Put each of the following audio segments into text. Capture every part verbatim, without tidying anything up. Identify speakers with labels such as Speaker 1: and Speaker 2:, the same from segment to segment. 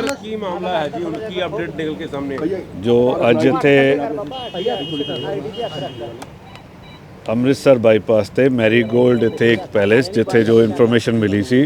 Speaker 1: Sir ਕੀ ਮਾਮਲਾ ਹੈ ਜੀ, ਹੁਣ ਕੀ ਅਪਡੇਟ ਨਿਕਲ ਕੇ ਸਾਹਮਣੇ
Speaker 2: ਜੋ ਅੱਜ ਇੱਥੇ ਅੰਮ੍ਰਿਤਸਰ ਬਾਈਪਾਸ ਤੇ ਮੈਰੀਗੋਲਡ ਇੱਥੇ ਇੱਕ ਪੈਲੇਸ ਜਿੱਥੇ ਜੋ ਇਨਫੋਰਮੇਸ਼ਨ ਮਿਲੀ ਸੀ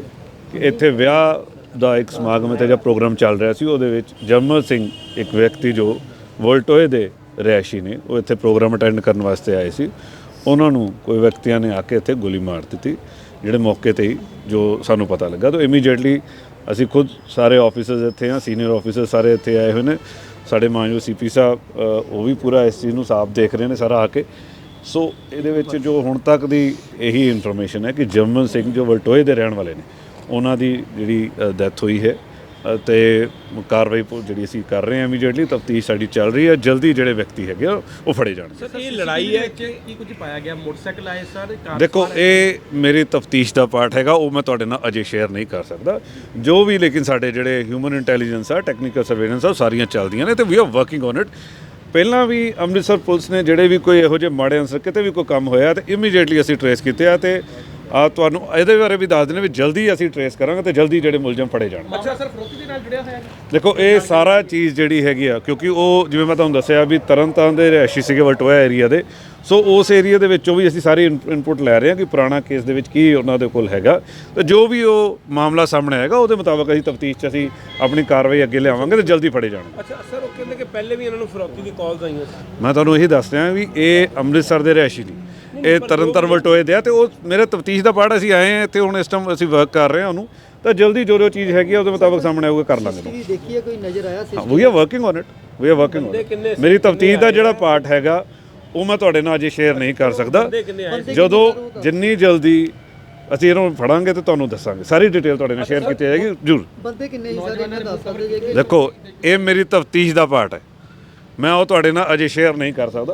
Speaker 2: ਕਿ ਇੱਥੇ ਵਿਆਹ ਦਾ ਇੱਕ ਸਮਾਗਮ ਇੱਥੇ ਜਾਂ ਪ੍ਰੋਗਰਾਮ ਚੱਲ ਰਿਹਾ ਸੀ, ਉਹਦੇ ਵਿੱਚ ਜਰਮਲ ਸਿੰਘ ਇੱਕ ਵਿਅਕਤੀ ਜੋ ਵੋਲਟੋਏ ਦੇ ਰਿਹਾਇਸ਼ੀ ਨੇ, ਉਹ ਇੱਥੇ ਪ੍ਰੋਗਰਾਮ ਅਟੈਂਡ ਕਰਨ ਵਾਸਤੇ ਆਏ ਸੀ। ਉਹਨਾਂ ਨੂੰ ਕੋਈ ਵਿਅਕਤੀਆਂ ਨੇ ਆ ਕੇ ਇੱਥੇ ਗੋਲੀ ਮਾਰ ਦਿੱਤੀ, ਜਿਹੜੇ ਮੌਕੇ 'ਤੇ ਹੀ ਜੋ ਸਾਨੂੰ ਪਤਾ ਲੱਗਾ। ਤਾਂ ਇਮੀਡੀਏਟਲੀ ਅਸੀਂ ਖੁਦ ਸਾਰੇ ਆਫਿਸਰਸ ਇੱਥੇ ਹਾਂ, ਸੀਨੀਅਰ ਆਫਿਸਰ ਸਾਰੇ ਇੱਥੇ ਆਏ ਹੋਏ ਨੇ, ਸਾਡੇ ਮਾਨਯੋਗ ਸੀ ਪੀ ਸਾਹਿਬ ਉਹ ਵੀ ਪੂਰਾ ਇਸ ਚੀਜ਼ ਨੂੰ ਸਾਫ਼ ਦੇਖ ਰਹੇ ਨੇ ਸਾਰਾ ਆ ਕੇ। ਸੋ ਇਹਦੇ ਵਿੱਚ ਜੋ ਹੁਣ ਤੱਕ ਦੀ ਇਹੀ ਇਨਫੋਰਮੇਸ਼ਨ ਹੈ ਕਿ ਜਰਮਲ ਸਿੰਘ ਜੋ ਵਲਟੋਏ ਦੇ ਰਹਿਣ ਵਾਲੇ ਨੇ, ਉਹਨਾਂ ਦੀ ਜਿਹੜੀ ਡੈਥ ਹੋਈ ਹੈ ਅਤੇ ਕਾਰਵਾਈ ਜਿਹੜੀ ਅਸੀਂ ਕਰ ਰਹੇ ਹਾਂ, ਇਮੀਡੀਏਟਲੀ ਤਫਤੀਸ਼ ਸਾਡੀ ਚੱਲ ਰਹੀ ਹੈ। ਜਲਦੀ ਜਿਹੜੇ ਵਿਅਕਤੀ ਹੈਗੇ ਉਹ ਫੜੇ ਜਾਣਗੇ।
Speaker 1: ਸਰ ਇਹ ਲੜਾਈ ਹੈ ਕਿ ਕੀ ਕੁਝ ਪਾਇਆ ਗਿਆ, ਮੋਟਰਸਾਈਕਲ ਆਏ ਸਰ?
Speaker 2: ਦੇਖੋ ਇਹ ਮੇਰੀ ਤਫਤੀਸ਼ ਦਾ ਪਾਰਟ ਹੈਗਾ, ਉਹ ਮੈਂ ਤੁਹਾਡੇ ਨਾਲ ਅਜੇ ਸ਼ੇਅਰ ਨਹੀਂ ਕਰ ਸਕਦਾ ਜੋ ਵੀ, ਲੇਕਿਨ ਸਾਡੇ ਜਿਹੜੇ ਹਿਊਮਨ ਇੰਟੈਲੀਜੈਂਸ ਆ, ਟੈਕਨੀਕਲ ਸਰਵੇਲੈਂਸ ਆ, ਉਹ ਸਾਰੀਆਂ ਚੱਲਦੀਆਂ ਨੇ ਅਤੇ we are working on it. ਪਹਿਲਾਂ ਵੀ ਅੰਮ੍ਰਿਤਸਰ ਪੁਲਿਸ ਨੇ ਜਿਹੜੇ ਵੀ ਕੋਈ ਇਹੋ ਜਿਹੇ ਮਾੜੇ ਅਨਸਰ ਕਿਤੇ ਵੀ ਕੋਈ ਕੰਮ ਹੋਇਆ ਤਾਂ ਇਮੀਡੀਏਟਲੀ ਅਸੀਂ ਟਰੇਸ ਕੀਤੇ ਆ, ਅਤੇ ਆ ਤੁਹਾਨੂੰ ਇਹਦੇ ਬਾਰੇ ਵੀ ਦੱਸ ਦਿੰਦੇ ਵੀ ਜਲਦੀ ਅਸੀਂ ਟਰੇਸ ਕਰਾਂਗੇ ਅਤੇ ਜਲਦੀ ਜਿਹੜੇ ਮੁਲਜ਼ਮ ਫੜੇ ਜਾਣ।
Speaker 1: ਅੱਛਾ ਸਰ, ਫਰੋਤੀ ਦੇ ਨਾਲ ਜੁੜਿਆ ਹੋਇਆ?
Speaker 2: ਦੇਖੋ ਇਹ ਸਾਰਾ ਚੀਜ਼ ਜਿਹੜੀ ਹੈਗੀ ਆ, ਕਿਉਂਕਿ ਉਹ ਜਿਵੇਂ ਮੈਂ ਤੁਹਾਨੂੰ ਦੱਸਿਆ ਵੀ ਤਰਨਤਾਰਨ ਦੇ ਰਿਹਾਇਸ਼ੀ ਸੀਗੇ ਵਲਟੋਇਆ ਏਰੀਆ ਦੇ, ਸੋ ਉਸ ਏਰੀਆ ਦੇ ਵਿੱਚੋਂ ਵੀ ਅਸੀਂ ਸਾਰੀ ਇਨਪੁਟ ਲੈ ਰਹੇ ਹਾਂ ਕਿ ਪੁਰਾਣਾ ਕੇਸ ਦੇ ਵਿੱਚ ਕੀ ਉਹਨਾਂ ਦੇ ਕੋਲ ਹੈਗਾ, ਅਤੇ ਜੋ ਵੀ ਉਹ ਮਾਮਲਾ ਸਾਹਮਣੇ ਆਏਗਾ ਉਹਦੇ ਮੁਤਾਬਕ ਅਸੀਂ ਤਫਤੀਸ਼ 'ਚ ਅਸੀਂ ਆਪਣੀ ਕਾਰਵਾਈ ਅੱਗੇ ਲਿਆਵਾਂਗੇ ਅਤੇ ਜਲਦੀ ਫੜੇ ਜਾਣਗੇ।
Speaker 1: ਅੱਛਾ ਸਰ, ਉਹ ਕਹਿੰਦੇ ਕਿ ਪਹਿਲੇ ਵੀ ਇਹਨਾਂ ਨੂੰ ਫਰੋਤੀ ਦੀ ਕਾਲਸ ਆਈਆਂ ਸੀ।
Speaker 2: ਮੈਂ ਤੁਹਾਨੂੰ ਇਹੀ ਦੱਸ ਰਿਹਾ ਵੀ ਇਹ ਅੰਮ੍ਰਿਤਸਰ ਦੇ ਰਿਹਾਇਸ਼ੀ ਨਹੀਂ, ਇਹ ਤਰਨਤਾਰਨ ਵਲਟੋਏ ਦੇ ਆ, ਅਤੇ ਉਹ ਮੇਰੇ ਤਫਤੀਸ਼ ਦਾ ਪਾਰਟ ਅਸੀਂ ਆਏ ਹਾਂ ਇੱਥੇ, ਹੁਣ ਇਸ ਟਾਈਮ ਅਸੀਂ ਵਰਕ ਕਰ ਰਹੇ ਹਾਂ ਉਹਨੂੰ, ਤਾਂ ਜਲਦੀ ਜੋ ਜੋ ਚੀਜ਼ ਹੈਗੀ ਆ ਉਹਦੇ ਮੁਤਾਬਕ ਸਾਹਮਣੇ ਆਊਗਾ ਕਰ ਲਾਂਗੇ।
Speaker 3: ਦੇਖੀਏ ਕੋਈ ਨਜ਼ਰ ਆਇਆ ਸੀ?
Speaker 2: We are working on it, we are working on it. ਮੇਰੀ ਤਫਤੀਸ਼ ਦਾ ਜਿਹੜਾ ਪਾਰਟ ਹੈਗਾ ਉਹ ਮੈਂ ਤੁਹਾਡੇ ਨਾਲ ਅਜੇ ਸ਼ੇਅਰ ਨਹੀਂ ਕਰ ਸਕਦਾ। ਜਦੋਂ ਜਿੰਨੀ ਜਲਦੀ ਅਸੀਂ ਇਹਨੂੰ ਫੜਾਂਗੇ ਤੇ ਤੁਹਾਨੂੰ ਦੱਸਾਂਗੇ, ਸਾਰੀ ਡਿਟੇਲ ਤੁਹਾਡੇ ਨਾਲ ਸ਼ੇਅਰ ਕੀਤੀ ਜਾਏਗੀ ਜ਼ਰੂਰ।
Speaker 3: ਬੰਦੇ ਕਿੰਨੇ ਸੀ ਸਰ ਇਹਨਾਂ ਦੱਸ ਸਕਦੇ ਜੇ?
Speaker 2: ਦੇਖੋ ਇਹ ਮੇਰੀ ਤਫਤੀਸ਼ ਦਾ ਪਾਰਟ ਹੈ, ਮੈਂ ਉਹ ਤੁਹਾਡੇ ਨਾਲ ਅਜੇ ਸ਼ੇਅਰ ਨਹੀਂ ਕਰ ਸਕਦਾ।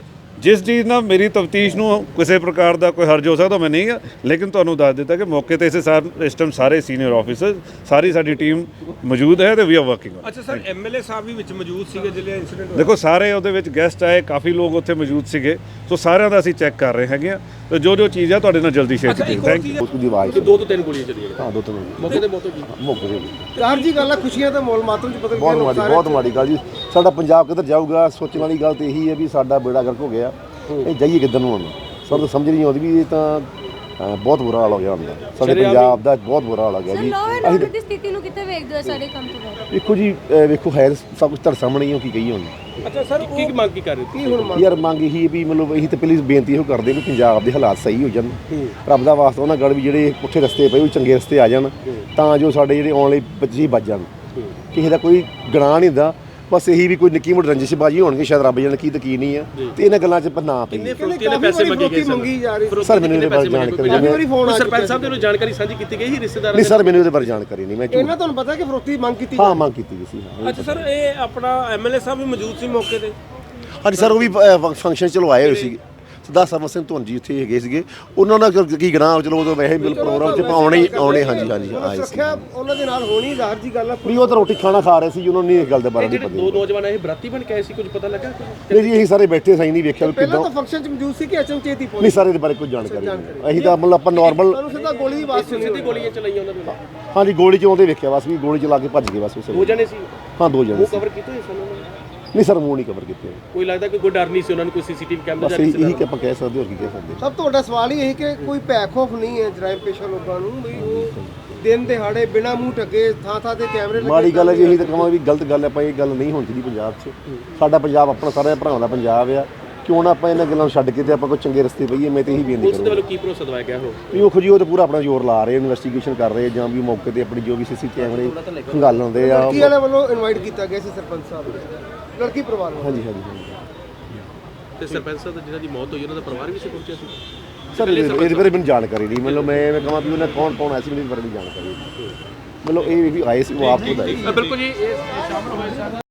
Speaker 2: ਜਿਸ ਚੀਜ਼ ਨਾਲ ਮੇਰੀ ਤਫਤੀਸ਼ ਨੂੰ ਕਿਸੇ ਪ੍ਰਕਾਰ ਦਾ ਕੋਈ ਹਰਜ ਹੋ ਸਕਦਾ ਮੈਂ ਨਹੀਂ ਆ, ਲੇਕਿਨ ਤੁਹਾਨੂੰ ਦੱਸ ਦਿੱਤਾ ਕਿ ਮੌਕੇ 'ਤੇ ਇਸੇ ਸਾਰ ਇਸ ਟਾਈਮ ਸਾਰੇ ਸੀਨੀਅਰ ਆਫਿਸਰ, ਸਾਰੀ ਸਾਡੀ ਟੀਮ ਮੌਜੂਦ ਹੈ ਅਤੇ ਵੀ ਆਰ ਵਰਕਿੰਗ।
Speaker 1: ਅੱਛਾ ਸਰ, ਐਮ ਐਲ ਏ ਸਾਹਿਬ ਵੀ ਵਿੱਚ ਮੌਜੂਦ ਸੀਗੇ ਜਿਹੜੇ ਇੰਸੀਡੈਂਟ?
Speaker 2: ਦੇਖੋ ਸਾਰੇ ਉਹਦੇ ਵਿੱਚ ਗੈਸਟ ਆਏ, ਕਾਫੀ ਲੋਕ ਉੱਥੇ ਮੌਜੂਦ ਸੀਗੇ, ਸੋ ਸਾਰਿਆਂ ਦਾ ਅਸੀਂ ਚੈੱਕ ਕਰ ਰਹੇ ਹੈਗੇ ਆ, ਤੇ ਜੋ ਜੋ ਚੀਜ਼ ਆ ਤੁਹਾਡੇ ਨਾਲ ਜਲਦੀ ਸ਼ੇਅਰ ਕੀਤੀ। Thank you.
Speaker 4: ਉਸ ਦੀ ਆਵਾਜ਼
Speaker 1: ਦੋ ਤੋਂ ਤਿੰਨ ਗੋਲੀਆਂ ਚੱਲੀਆਂ?
Speaker 4: ਹਾਂ ਦੋ ਤਿੰਨ
Speaker 1: ਮੌਕੇ ਤੇ ਮੌਤ ਹੋ ਗਈ।
Speaker 4: ਮੌਕੇ ਤੇ
Speaker 3: ਯਾਰ ਜੀ ਗੱਲ ਆ, ਖੁਸ਼ੀਆਂ ਤਾਂ ਮੌਲ ਮਾਤਮ 'ਚ ਪਤਾ
Speaker 4: ਬਹੁਤ ਮਾੜੀ ਬਹੁਤ ਮਾੜੀ ਗੱਲ ਜੀ। ਸਾਡਾ ਪੰਜਾਬ ਕਿੱਧਰ ਜਾਊਗਾ? ਸੋਚਣ ਵਾਲੀ ਗੱਲ ਤਾਂ ਇਹੀ ਹੈ ਵੀ ਸਾਡਾ ਬੇੜਾ ਗਰਕ ਹੋ ਗਿਆ, ਇਹ ਜਾਈਏ ਕਿੱਧਰ ਨੂੰ? ਹੁਣ ਸਾਨੂੰ ਤਾਂ ਸਮਝ ਨਹੀਂ ਆਉਂਦੀ ਵੀ ਇਹ ਤਾਂ ਬਹੁਤ ਬੁਰਾ ਹਾਲ ਹੋ ਗਿਆ ਹੁੰਦਾ, ਸਾਡੇ ਪੰਜਾਬ ਦਾ ਬਹੁਤ ਬੁਰਾ ਹਾਲ ਹੋ ਗਿਆ ਜੀ।
Speaker 5: ਅਸੀਂ ਦੀ ਸਥਿਤੀ ਨੂੰ ਕਿੱਥੇ ਵੇਖਦੇ ਹੋ ਸਾਰੇ ਕੰਮ ਤੋਂ ਬਾਅਦ?
Speaker 4: ਵੇਖੋ ਜੀ, ਵੇਖੋ ਹੈ ਸਭ ਕੁਝ ਤੁਹਾਡੇ ਸਾਹਮਣੇ ਹੀ, ਉਹ ਕੀ ਕਹੀਏ ਹੁਣ।
Speaker 1: ਅੱਛਾ ਸਰ, ਕੀ ਮੰਗ ਕੀ ਕਰ ਰਹੇ ਕੀ ਹੁਣ?
Speaker 4: ਯਾਰ ਮੰਗ ਇਹੀ ਵੀ ਮਤਲਬ ਇਹੀ ਤਾਂ ਪਲੀਜ਼ ਬੇਨਤੀ ਇਹੋ ਕਰਦੇ ਵੀ ਪੰਜਾਬ ਦੇ ਹਾਲਾਤ ਸਹੀ ਹੋ ਜਾਣ, ਰੱਬ ਦਾ ਵਾਸਤਾ ਉਹਨਾਂ ਗੜ ਵੀ ਜਿਹੜੇ ਪੁੱਠੇ ਰਸਤੇ ਪਏ ਉਹ ਚੰਗੇ ਰਸਤੇ ਆ ਜਾਣ, ਤਾਂ ਜੋ ਸਾਡੇ ਜਿਹੜੇ ਆਉਣ ਵਾਲੇ ਬੱਚੇ ਬਚ ਜਾਣ। ਕਿਸੇ ਦਾ ਕੋਈ ਗੁਨਾਹ ਨਹੀਂ ਹੁੰਦਾ, ਬਸ ਇਹੀ ਵੀ ਕੋਈ ਨਿੱਕੀ ਮੋਟੀ ਰੰਜਿਸ਼ਬਾਜ਼ੀ ਹੋਣਗੇ, ਸ਼ਾਇਦ ਰੱਬ ਜਾਣੇ ਕੀ ਤਕੀਨ ਨਹੀਂ ਆ, ਤੇ ਇਹਨਾਂ ਗੱਲਾਂ 'ਚ ਨਾ ਪਈਏ।
Speaker 1: ਪੈਸੇ ਮੰਗੀ ਜਾ ਰਹੀ
Speaker 4: ਸਰ ਮੈਨੂੰ ਇਹਦੇ ਬਾਰੇ ਜਾਣਕਾਰੀ ਨਹੀਂ,
Speaker 1: ਸਰਪੰਚ ਸਾਹਿਬ ਦੇ ਨੂੰ ਜਾਣਕਾਰੀ ਸਾਂਝੀ ਕੀਤੀ ਗਈ ਸੀ ਰਿਸ਼ਤੇਦਾਰਾਂ
Speaker 4: ਨਹੀਂ ਸਰ, ਮੈਨੂੰ ਇਹਦੇ ਬਾਰੇ ਜਾਣਕਾਰੀ ਨਹੀਂ। ਮੈਂ
Speaker 3: ਇਹਨਾਂ ਤੁਹਾਨੂੰ ਪਤਾ ਕਿ ਫਰੋਤੀ ਮੰਗ ਕੀਤੀ?
Speaker 4: ਹਾਂ ਮੰਗ ਕੀਤੀ ਗਈ ਸੀ।
Speaker 1: ਅੱਛਾ ਸਰ, ਇਹ ਆਪਣਾ ਐਮ ਐਲ ਏ ਸਾਹਿਬ ਵੀ ਮੌਜੂਦ ਸੀ ਮੌਕੇ ਤੇ?
Speaker 4: ਹਾਂਜੀ ਸਰ, ਉਹ ਵੀ ਫੰਕਸ਼ਨ ਚਲੋ ਆਏ ਹੋਏ ਸੀ। ਸਰਦਾਰ ਸਰਵਨ ਸਿੰਘ ਧੁੰਨ ਜੀ ਇੱਥੇ ਹੈਗੇ ਸੀਗੇ, ਉਹਨਾਂ ਨਾਲ ਕੀ ਗਨਾਹ ਚਲੋ ਉਦੋਂ ਵੈਸੇ ਬਿਲ ਪ੍ਰੋਗਰਾਮ 'ਚ ਆਉਣੇ ਹੀ ਆਉਣੇ। ਹਾਂਜੀ ਹਾਂਜੀ ਆਏ ਸੀ।
Speaker 3: ਸੁਰੱਖਿਆ ਉਹਨਾਂ ਦੇ ਨਾਲ ਹੋਣੀ ਜ਼ਾਹਰ ਜੀ ਗੱਲ ਆ।
Speaker 4: ਵੀ ਉਹ ਤਾਂ ਰੋਟੀ ਖਾਣਾ ਖਾ ਰਹੇ ਸੀ, ਉਹਨਾਂ ਨੂੰ ਇਸ ਗੱਲ ਦੇ ਬਾਰੇ ਨਹੀਂ ਪਤਾ।
Speaker 1: ਦੋ ਨੌਜਵਾਨ ਇਹ ਬਰਾਤੀ ਬਣ ਕੇ ਆਏ ਸੀ, ਕੁਝ ਪਤਾ ਲੱਗਾ?
Speaker 4: ਨਹੀਂ ਜੀ, ਅਸੀਂ ਸਾਰੇ ਬੈਠੇ ਸਾਈ ਨਹੀਂ ਵੇਖਿਆ
Speaker 3: ਪਹਿਲਾਂ
Speaker 4: ਕਿੱਦਾਂ।
Speaker 3: ਤਾਂ ਫੰਕਸ਼ਨ 'ਚ ਮੌਜੂਦ ਸੀ ਕਿ ਅਚਨਚੇਤ ਹੀ ਪਹੁੰਚੇ?
Speaker 4: ਨਹੀਂ ਸਰ, ਇਹਦੇ ਬਾਰੇ ਕੋਈ ਜਾਣਕਾਰੀ ਨਹੀਂ। ਅਸੀਂ ਤਾਂ ਮਤਲਬ ਆਪਾਂ ਨਾਰਮਲ
Speaker 3: ਤੁਹਾਨੂੰ ਸਿੱਧਾ ਗੋਲੀ ਦੀ ਆਵਾਜ਼ ਸੁਣੀ?
Speaker 1: ਸਿੱਧੀ ਗੋਲੀਆਂ ਚਲਾਈਆਂ ਉਹਨਾਂ ਨੇ?
Speaker 4: ਹਾਂਜੀ ਗੋਲੀ 'ਚ ਆਉਂਦੇ ਵੇਖਿਆ, ਬਸ ਵੀ ਗੋਲੀ ਚਲਾ ਕੇ ਭੱਜ ਗਏ ਬਸ ਉਸ।
Speaker 1: ਦੋ ਜਣੇ ਸੀ?
Speaker 4: ਹਾਂ ਦੋ ਜਣੇ।
Speaker 1: ਉਹ ਕਵਰ ਕੀਤੇ ਹੋਏ ਸਨ?
Speaker 4: ਨਹੀਂ ਸਰ, ਮੂੰਹ ਨਹੀਂ ਕਵਰ ਕੀਤੇ।
Speaker 1: ਕੋਈ ਲੱਗਦਾ ਕਿ ਕੋਈ ਡਰ ਨਹੀਂ ਸੀ ਉਹਨਾਂ ਨੂੰ, ਕੋਈ ਸੀਸੀਟੀਵੀ ਕੈਮਰਾ
Speaker 4: ਬਸ ਇਹੀ ਕਿ ਆਪਾਂ ਕਹਿ ਸਕਦੇ ਹੋਰ ਕੀ ਕਹਿ ਸਕਦੇ।
Speaker 3: ਸਭ ਤੋਂ ਵੱਡਾ ਸਵਾਲ ਹੀ ਇਹ ਕਿ ਕੋਈ ਭੈ ਖੌਫ ਨਹੀਂ ਹੈ ਜਰਾਇਮ ਪੇਸ਼ਾ ਲੋਕਾਂ ਨੂੰ, ਵੀ ਉਹ ਦਿਨ ਦਿਹਾੜੇ ਬਿਨਾਂ ਮੂੰਹ ਢੱਕੇ ਥਾਂ ਥਾਂ ਤੇ ਕੈਮਰੇ ਲੱਗੇ।
Speaker 4: ਮਾੜੀ ਗੱਲ ਹੈ ਜੀ, ਇਹੀ ਤਾਂ ਕਹਾਂ ਵੀ ਗਲਤ ਗੱਲ ਹੈ, ਆਪਾਂ ਇਹ ਗੱਲ ਨਹੀਂ ਹੋਣੀ ਚਾਹੀਦੀ ਪੰਜਾਬ 'ਚ। ਸਾਡਾ ਪੰਜਾਬ ਆਪਣਾ ਸਾਰਿਆਂ ਭਰਾਵਾਂ ਦਾ ਪੰਜਾਬ ਆ, ਕਿਉਂ ਨਾ ਆਪਾਂ ਇਹਨਾਂ ਗੱਲਾਂ ਨੂੰ ਛੱਡ ਕੇ ਤੇ ਆਪਾਂ ਕੋਈ ਚੰਗੇ ਰਸਤੇ ਪਈਏ। ਮੈਂ ਤਾਂ ਇਹੀ ਬੇਨਤੀ
Speaker 1: ਕਰਾਂਗਾ। ਉਸ ਦੇ ਵੱਲੋਂ ਕੀ ਭਰੋਸਾ ਦਵਾਇਆ ਗਿਆ ਹੋ?
Speaker 4: ਵੀ ਉਹ ਖੁਜੀ ਉਹ ਤਾਂ ਪੂਰਾ ਆਪਣਾ ਜ਼ੋਰ ਲਾ ਰਹੇ, ਇਨਵੈਸਟੀਗੇਸ਼ਨ ਕਰ ਰਹੇ, ਜਾਂ ਵੀ ਮੌਕੇ ਤੇ ਆਪਣੀ ਜੋ ਵੀ ਸੀਸੀ ਕੈਮਰੇ ਖੰਗਾਲ ਹੁੰਦੇ ਆ।
Speaker 3: ਲੜਕੀ ਵਾਲੇ ਵੱਲੋਂ ਇਨਵਾਈਟ ਕੀਤਾ ਗਿਆ ਸੀ ਸਰਪੰਚ ਸਾਹਿਬ ਨੂੰ, ਲੜਕੀ ਪਰਿਵਾਰ ਨੂੰ? ਹਾਂਜੀ
Speaker 4: ਹਾਂਜੀ ਹਾਂਜੀ।
Speaker 1: ਤੇ ਸਰਪੰਚ ਸਾਹਿਬ ਜਿਹਨਾਂ ਦੀ ਮੌਤ ਹੋਈ ਉਹਨਾਂ ਦਾ ਪਰਿਵਾਰ ਵੀ ਸੀ ਪਹੁੰਚਿਆ ਸੀ?
Speaker 4: ਸਰ ਇਹਦੇ ਬਾਰੇ ਮੈਨੂੰ ਜਾਣਕਾਰੀ ਨਹੀਂ, ਮਤਲਬ ਮੈਂ ਮੈਂ ਕਹਾਂ ਵੀ ਉਹਨਾਂ ਕੌਣ ਕੌਣ ਆਇਆ ਸੀ, ਮੈਨੂੰ ਇਸ ਬਾਰੇ ਨਹੀਂ ਜਾਣਕਾਰੀ। ਮਤਲਬ ਇਹ ਵੀ ਆਏ ਸੀ, ਉਹ ਆਪ ਖੁਦ ਆਏ।
Speaker 1: ਬਿਲਕੁਲ ਜੀ, ਇਹ ਸ਼ਾਮਲ ਹੋਏ ਸਨ।